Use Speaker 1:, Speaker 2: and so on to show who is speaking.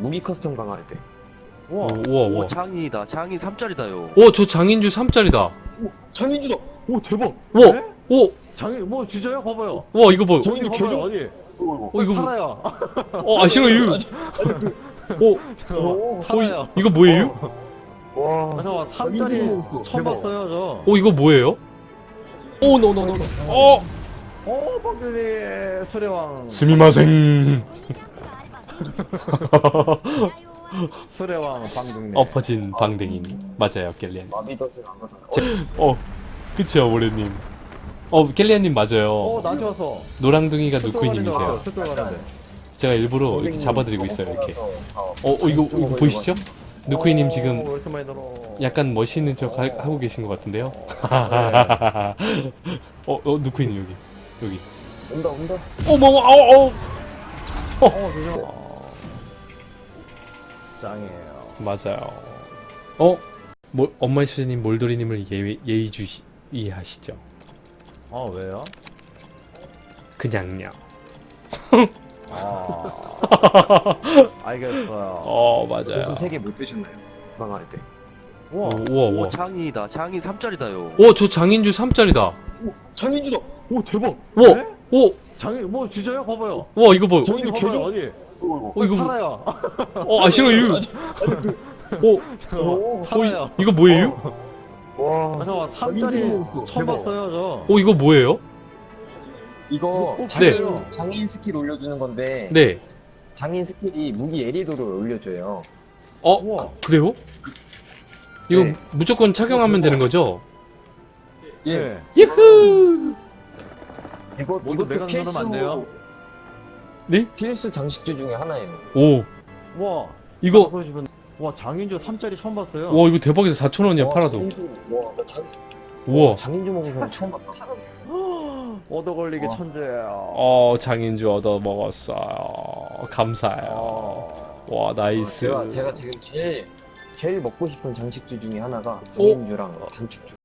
Speaker 1: 무기 커스텀 강화할 때.
Speaker 2: 우와.
Speaker 3: 우와, 우와.
Speaker 2: 오, 장인이다. 장인 3짜리다요.
Speaker 3: 오, 저 장인주 3짜리다.
Speaker 1: 장인주다. 오 대박.
Speaker 3: 와,
Speaker 2: 네?
Speaker 3: 오,
Speaker 2: 장인 뭐 진짜요? 봐봐요.
Speaker 3: 와, 이거 봐.
Speaker 1: 장인주
Speaker 2: 봐봐요.
Speaker 1: 개조.
Speaker 2: 어디?
Speaker 3: 이거 뭐,
Speaker 2: 팔아요.
Speaker 3: 아, 싫어, 이거. 오,
Speaker 2: 팔아요.
Speaker 3: 이거 뭐예요?
Speaker 1: 와.
Speaker 2: 잠깐만,
Speaker 1: 장인주
Speaker 2: 3짜리
Speaker 1: 먹었어.
Speaker 2: 처음
Speaker 1: 대박.
Speaker 2: 봤어요, 저.
Speaker 3: 오, 이거 뭐예요? 오, 노.
Speaker 2: 박근혜 수레왕.
Speaker 3: 스미마생.
Speaker 2: 수레왕 방등네.
Speaker 3: 엎어진 방댕이. 맞아요, 켈리안.
Speaker 1: 마비덫을 안 가서.
Speaker 3: 그쵸, 모래님. 켈리안님 맞아요.
Speaker 2: 나한테 왔어.
Speaker 3: 노랑둥이가 누쿠이님이세요.
Speaker 2: 숫돌 가는데.
Speaker 3: 제가 일부러 이렇게 잡아드리고 있어요, 이렇게. 이거 보이시죠? 누쿠이님 지금
Speaker 2: 왜 이렇게 많이 들어?
Speaker 3: 약간 멋있는 척 하고 계신 것 같은데요? 누쿠이님 여기.
Speaker 1: 온다.
Speaker 2: 조심. 짱이에요.
Speaker 3: 맞아요. 엄마의 수제님 몰도리님을 예의주의하시죠?
Speaker 2: 왜요?
Speaker 3: 그냥요.
Speaker 2: 알겠어요.
Speaker 3: 맞아요.
Speaker 1: 3개 못 드셨나요? 강화할 때.
Speaker 2: 우와.
Speaker 3: 우와.
Speaker 2: 장인이다. 장인 3짜리다요.
Speaker 3: 저 장인주 3짜리다.
Speaker 1: 장인주다. 오 대박.
Speaker 2: 네?
Speaker 3: 오,
Speaker 2: 장인 뭐 진짜요? 봐봐요.
Speaker 3: 와, 이거 봐.
Speaker 1: 장인주
Speaker 2: 봐봐요.
Speaker 1: 개조.
Speaker 2: 어디?
Speaker 3: 이거
Speaker 2: 팔아요.
Speaker 3: 싫어, 이거.
Speaker 2: 팔아요.
Speaker 3: 이거 뭐예요?
Speaker 1: 와.
Speaker 2: 잠깐만,
Speaker 1: 장인주
Speaker 2: 3짜리
Speaker 1: 먹었어.
Speaker 2: 처음
Speaker 1: 대박.
Speaker 2: 봤어요, 저.
Speaker 3: 이거 뭐예요?
Speaker 1: 이거
Speaker 2: 네.
Speaker 1: 장인 스킬 올려주는 건데
Speaker 3: 네.
Speaker 1: 장인 스킬이 무기 예리도를 올려줘요.
Speaker 2: 우와.
Speaker 3: 그래요? 이거
Speaker 1: 네.
Speaker 3: 무조건 착용하면 되는 거죠?
Speaker 1: 예.
Speaker 2: 네.
Speaker 3: 예후!
Speaker 2: 모두 메간 누르면 안 돼요?
Speaker 3: 네?
Speaker 1: 필수 장식주 중에 하나예요.
Speaker 3: 오,
Speaker 2: 와.
Speaker 3: 이거,
Speaker 2: 보시면 와, 장인주 3짜리 처음 봤어요.
Speaker 3: 와, 이거 대박이다. 4,000원이야, 팔아도.
Speaker 1: 장인주, 와, 나
Speaker 3: 우와.
Speaker 1: 장인주 먹은 사람 처음 봤다.
Speaker 2: 얻어 걸리게
Speaker 1: 와.
Speaker 2: 천재예요.
Speaker 3: 장인주 얻어 먹었어요. 감사해요. 와, 나이스.
Speaker 1: 제가 지금 제일 먹고 싶은 장식주 중에 하나가 장인주랑 단축주.